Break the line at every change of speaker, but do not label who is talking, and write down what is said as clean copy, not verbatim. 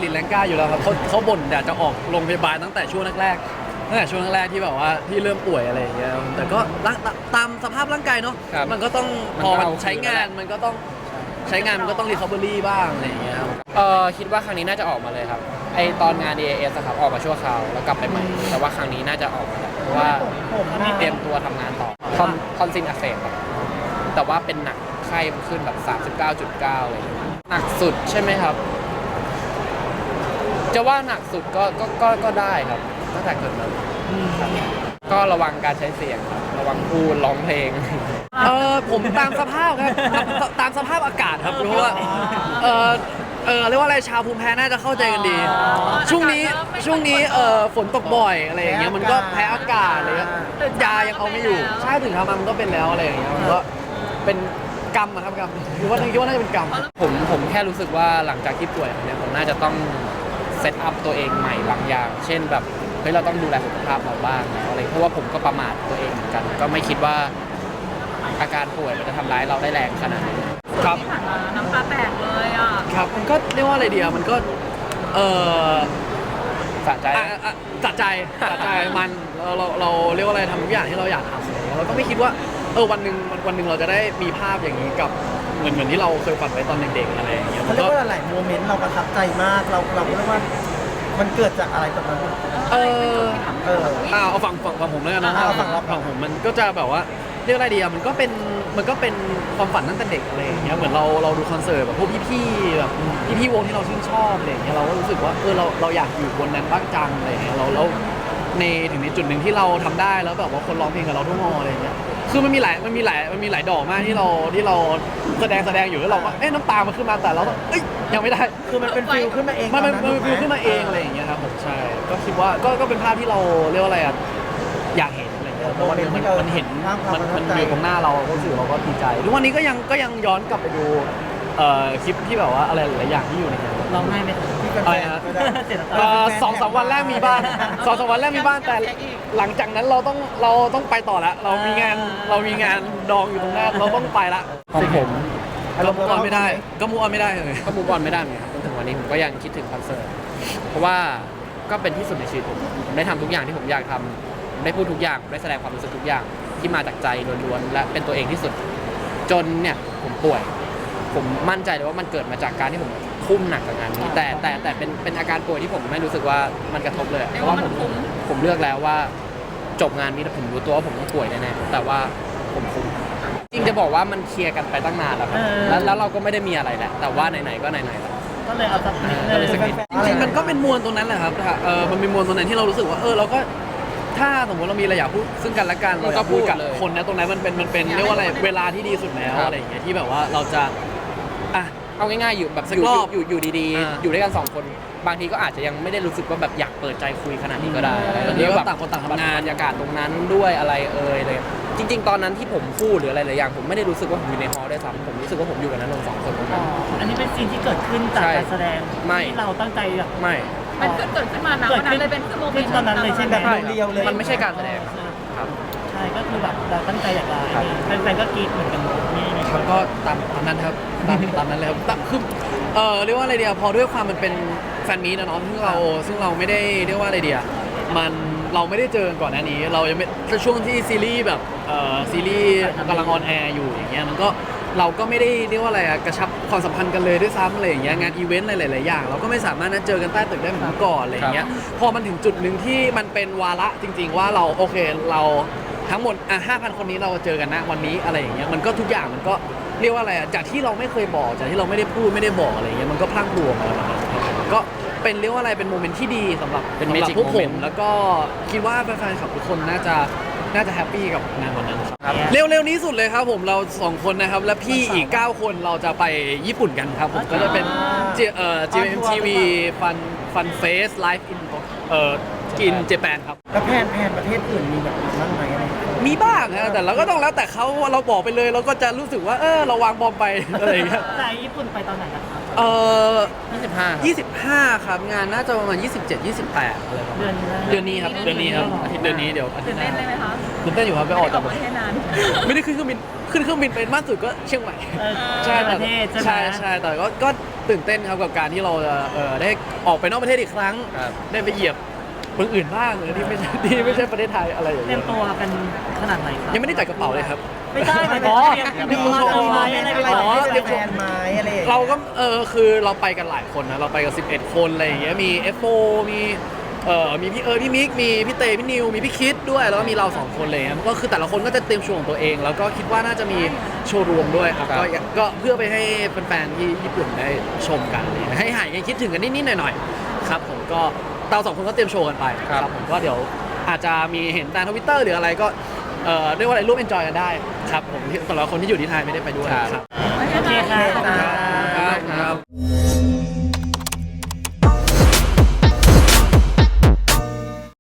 ติดแรงกล้าอยู่แล้วครับเขาบ่นอยากจะออกโรงพยาบาลตั้งแต่ช่วงแรกที่แบบว่าที่เริ่มป่วยอะไรอย่างเงี้ยแต่ก็ตามสภาพร่างกายเนาะมันก็ต้องพอมันใช้งานมันก็ต้องใช้งานมันก็ต้องรีคอเวอรี่บ้างอะไรอย่างเงี้ยครับ
คิดว่าครั้งนี้น่าจะออกมาเลยครับไอตอนงาน DAS อะครับออกมาชั่วคราวแล้วกลับไปใหม่แต่ว่าครั้งนี้น่าจะออกมาแล้วเพราะว่าเตรียมตัวทำงานต่อทอนซิลอักเสบครับแต่ว่าเป็นหนักไข้ขึ้นแบบ 39.9อะไรอย่างเงี้ยหนักสุดใช่ไหมครับจะว่าหนักสุดก็ได้ครับตั้งแต่เกิดมาครับก็ระวังการใช้เสียงครับระวังพูดร้องเพลง
ผมตามสภาพครับตามสภาพอากาศครับรู้ว่าเรียกว่าอะไรชาวภูมิแพ้น่าจะเข้าใจกันดีช่วงนี้ฝนตกบ่อยอะไรอย่างเงี้ยมันก็แพ้อากาศอะไรเงี้ยยายังเอาไม่อยู่ใช่ถึงทำมันก็เป็นแล้วอะไรอย่างเงี้ยมันก็เป็นกรรมอะครับกรรมคิดว่าน่าจะเป็นกรรม
ผมแค่รู้สึกว่าหลังจากที่ป่วยเนี่ยผมน่าจะต้องเซตอัพตัวเองใหม่บางอย่าง เช่นแบบเฮ้ยเราต้องดูแลสุขภาพเราบ้างแล้วอะไรเพราะว่าผมก็ประมาทตัวเองเหมือนกันก็ไม่คิดว่าอาการป่วยมันจะทำร้ายเราได้แรงขนาดนี้
ครับ
ที่ผ่านมาน้ำตาแตกเลยอ่ะ
ครับมันก็เรียกว่าอะไรเดียวมันก็
สะใจ
สะใจมันเราเรียกว่าอะไรทำทุกอย่างที่เราอยากทำเราก็ไม่คิดว่าวันหนึ่งเราจะได้มีภาพอย่างนี้กับเหมือนที่เราเคยฝันไว้ตอนเด็กๆอะไรอย่างเงี้ย
เขาเรียกว่าหลายโมเมนต์เราประทับใจมากเราเรียกว่ามันเกิดจากอะไรแบบนั้น
เอาฝั่งผมแล้วกันนะฝั่งผมมันก็จะแบบว่าเรียกอะไรดีอะมันก็เป็นความฝันตั้งแต่เด็กอะไรอย่างเงี้ยเหมือนเราดูคอนเสิร์ตแบบพวกพี่ๆแบบพี่ๆวงที่เราชื่นชอบอะไรอย่างเงี้ยเราก็รู้สึกว่าเราอยากอยู่บนนั้นบ้างจังอะไรอย่างเงี้ยเราถึงในจุดหนึ่งที่เราทำได้แล้วแบบว่าคนร้องเพลงกับเราทุกมออะไรอย่างเงี้ยคือมันมีหลายดอกมากที่เราแสดงอยู่แล้วเราก็น้ำตามันขึ้นมาแต่เรายังไม่ได้
คือมันเป็นฟิลขึ้นมาเอง
มันเป็นฟิลขึ้นมาเองอะไรอย่างเงี้ยครับผมใช่ก็คิดว่าก็เป็นภาพที่เราเรียกว่าอะไรอะอยากเห็นอะไรเงี้ยเพราะว่ามันเห็นมันอยู่ตรงหน้าเราก็รู้สึกเราก็ดีใจทุกวันนี้ก็ยังย้อนกลับไปดูคลิปที่แบบว่าอะไรหลายอย่างที่อยู่ในนั้น
ร้องไห้ไหม
อะไรนะ2-3 วันแรกมีบ้าง2-3 วันแรกมีบ้างแต่หลังจากนั้นเราต้องไปต่อแล้วเรามีงานดองอยู่ตรงหน้าเราต้องไปละ
ของผม
ก็มูออนไม่ได้เลย
ก็มูออนไม่ได้เหมือนกันจนถึงวันนี้ผมก็ยังคิดถึงคอนเสิร์ตเพราะว่าก็เป็นที่สุดในชีวิตผมได้ทำทุกอย่างที่ผมอยากทำผมได้พูดทุกอย่างผมได้แสดงความรู้สึกทุกอย่างที่มาจากใจล้วนๆและเป็นตัวเองที่สุดจนเนี่ยผมป่วยผมมั่นใจเลยว่ามันเกิดมาจากการที่ผมทุ่มหนักกับงานนี้แต่เป็นอาการป่วยที่ผมไม่รู้สึกว่ามันกระทบเลยเพราะว่าผมเลือกแล้วว่าจบงานนี้แต่ผมรู้ตัวว่าผมต้องป่วยแน่ๆแต่ว่าผมคุ้มจริงจะบอกว่ามันเคลียร์กันไปตั้งนานแล้วครับแล้วเราก็ไม่ได้มีอะไรแหละแต่ว่าไหนๆก็ไหนๆแล้ว
ก็เลยเอาสักนิด
จริงๆมันก็เป็นมวลตรงนั้นแหละครับมันเป็นมวลตรงนั้นที่เรารู้สึกว่าเราก็ถ้าสมมติเรามีอะไรอยากพูดซึ่งกันและกันเราก็พูดกับคนนะตรงนั้นมันเป็นเรียกว่าอะไรเวลาที่ดีสุดแล้วอะไรอย่างเงี้ยที่แบบว่าเราจะ
เอาง่ายๆอยู่แบบอยู่ดีๆอยู่ด้วยกัน2คนบางทีก็อาจจะยังไม่ได้รู้สึกว่าแบบอยากเปิดใจคุยขนาดนี้ก็ได้
ตอนนี้ก็ต่างคนต่างทำงาน
บรรยากาศตรงนั้นด้วยอะไรเลยจริงๆตอนนั้นที่ผมพูดหรืออะไรหลายอย่างผมไม่ได้รู้สึกว่าผมอยู่ในฮอลล์ด้วยซ้ำผมรู้สึกว่าผมอยู่กับนักดนตรี2 คนตรงนั้น
อันนี้เป็นซีนที่เกิดขึ้นจากการแสดงที่เราตั้งใจ
ไม่
มันเกิดขึ้นมานะวันนั้นเลยเป็นโมเมนต์
ตอนนั้นเลยใช่ไหมเรียวเลย
มันไม่ใช่การแสดงครับ
ใช่ก็คือแบบเราตั้งใจอยากได้แฟนๆก็กรี๊ดเหมือนกันนี่
ครับก็ตามนั้นครับตามนั้นเลยครับคือเรียกว่าอะไรเดียวพอด้วยความมันเป็นแฟนมีตนะเนาะซึ่งเราไม่ได้เรียกว่าอะไรเดียวเราไม่ได้เจอก่อนหน้านี้เรายังไม่ช่วงที่ซีรีส์แบบซีรีส์กำลังออนแอร์อยู่อย่างเงี้ยมันก็เราก็ไม่ได้เรียกว่าอะไรกระชับความสัมพันธ์กันเลยด้วยซ้ำอะไรอย่างเงี้ยงานอีเวนต์หลายๆอย่างเราก็ไม่สามารถนัดเจอกันใต้ตึกได้เหมือนเมื่อก่อนอะไรอย่างเงี้ยพอมันถึงจุดหนึ่งที่มันเป็นวาระจริงๆว่าเราโอเคเราทั้งหมด5,000 คนนี้เราเจอกันนะวันนี้อะไรอย่างเงี้ยมันก็ทุกอย่างมันก็เรียกว่าอะไรจากที่เราไม่เคยบอกจากที่เราไม่ได้พูดไม่ได้บอกอะไรอย่างเงี้ยมันก็พลั่งพลูออกมาก็เป็นเรียกว่าอะไรเป็นโมเมนต์ที่ดีสำหรับพวกผมแล้วก็คิดว่าแฟนๆคลับทุกคนน่าจะแฮปปี้กับงานวันนั้นครับเร็วๆนี้สุดเลยครับผมเรา2 คนนะครับและพี่อีก9 คนเราจะไปญี่ปุ่นกันครับผมก็จะเป็นGMMTV Fun Fest Live in Japan ครับ
แล้วแผนประเทศอื่นมีแบบบ้างไหม
มีบ้างนะแต่เราก็ต้องแล้วแต่เขาเราบอกไปเลยเราก็จะรู้สึกว่าเราวางบอมไปอะไรอย่างเงี้ย
แต่ญี่ปุ่นไปตอนไหนครับ
25ครับงานน่าจะประมาณ27-28อะไรประมาณเดือนนี้ครับอาทิตย์เดือนนี้เดี๋ยวอาทิตย์หน้า
ตื่นเต้นไหมคะ
ตื่นเต้นอยู่ครับไปออกจาก
ประเทศนาน
ไม่ได้ขึ้นเครื่องบินไปมากสุดก็เชียงใหม่
ใช่
ใช่แต่ก็ตื่นเต้นครับกับการที่เราจะได้ออกไปนอกประเทศอีกครั้ง
ครับ
ได้ไปเหยียบเมืองอื่นบ้างที่ไม่ใช่ ที่ไม่ใช่ประเทศไทยอะไรอย่าง
เตรี
เงี้
ย
ย
มตัวกันขนาดไหนครับ
ยังไม่ได้จัดกระเป๋าเลยครับ
ไม่ใช่หมายถึง
อ๋อ
เตรียมตัวไหมอะไรไป
อ๋อ
เตรียมแฟนไม้อะไรอย่างเงี้ย
เราก็คือเราไปกันหลายคนนะเราไปกัน11 คนอะไรอย่างเงี้ยมี F4 มีมีพี่พี่มิกมีพี่เตพี่นิวมีพี่คิดด้วยแล้วก็มีเรา2 คนเลยก็คือแต่ละคนก็จะเตรียมโชว์ของตัวเอง แล้วก็คิดว่าน่าจะมีโชว์รวมด้วยครับ
ครับ
ก็เพื่อไปให้แฟนๆที่ญี่ปุ่นได้ชมกันเลยให้หายกันคิดถึงกันนิดๆหน่อยๆครับผมก็เรา2 คนก็เตรียมโชว์กันไปผมก็เดี๋ยวอาจจะมีเห็นตามทวิตเตอร์หรืออะไรก็เรียกว่าอะไรร่วมเอนจอยกันได้ครับผมแต่ละคนที่อยู่ที่ไทยไม่ได้ไปด้วยครับ
โอเคครับ